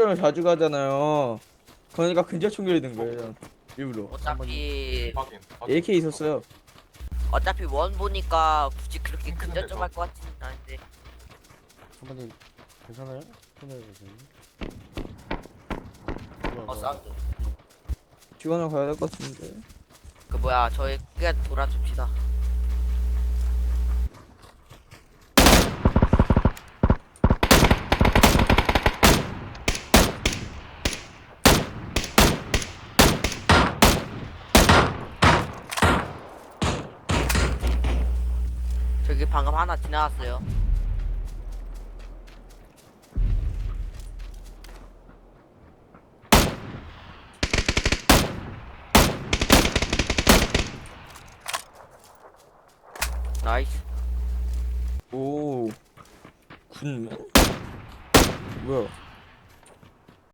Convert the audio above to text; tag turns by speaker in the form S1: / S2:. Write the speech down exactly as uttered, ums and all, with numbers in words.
S1: 근접점을 자주 가잖아요. 그러니까 근접 총결이 된 거예요. 일부러.
S2: 어차피
S3: 확인. 확인.
S1: 에이케이 있었어요.
S2: 어차피 원 보니까 굳이 그렇게 근접점 할 것 같지는 않은데.
S4: 선배님 괜찮아요? 손해를 보세요.
S2: 어 사운드.
S1: 지원을 가야 될 것 같은데.
S2: 그 뭐야 저희 그냥 돌아줍시다. 저기 방금 하나 지나갔어요. 나이스.
S1: 오. 군맨? 뭐야?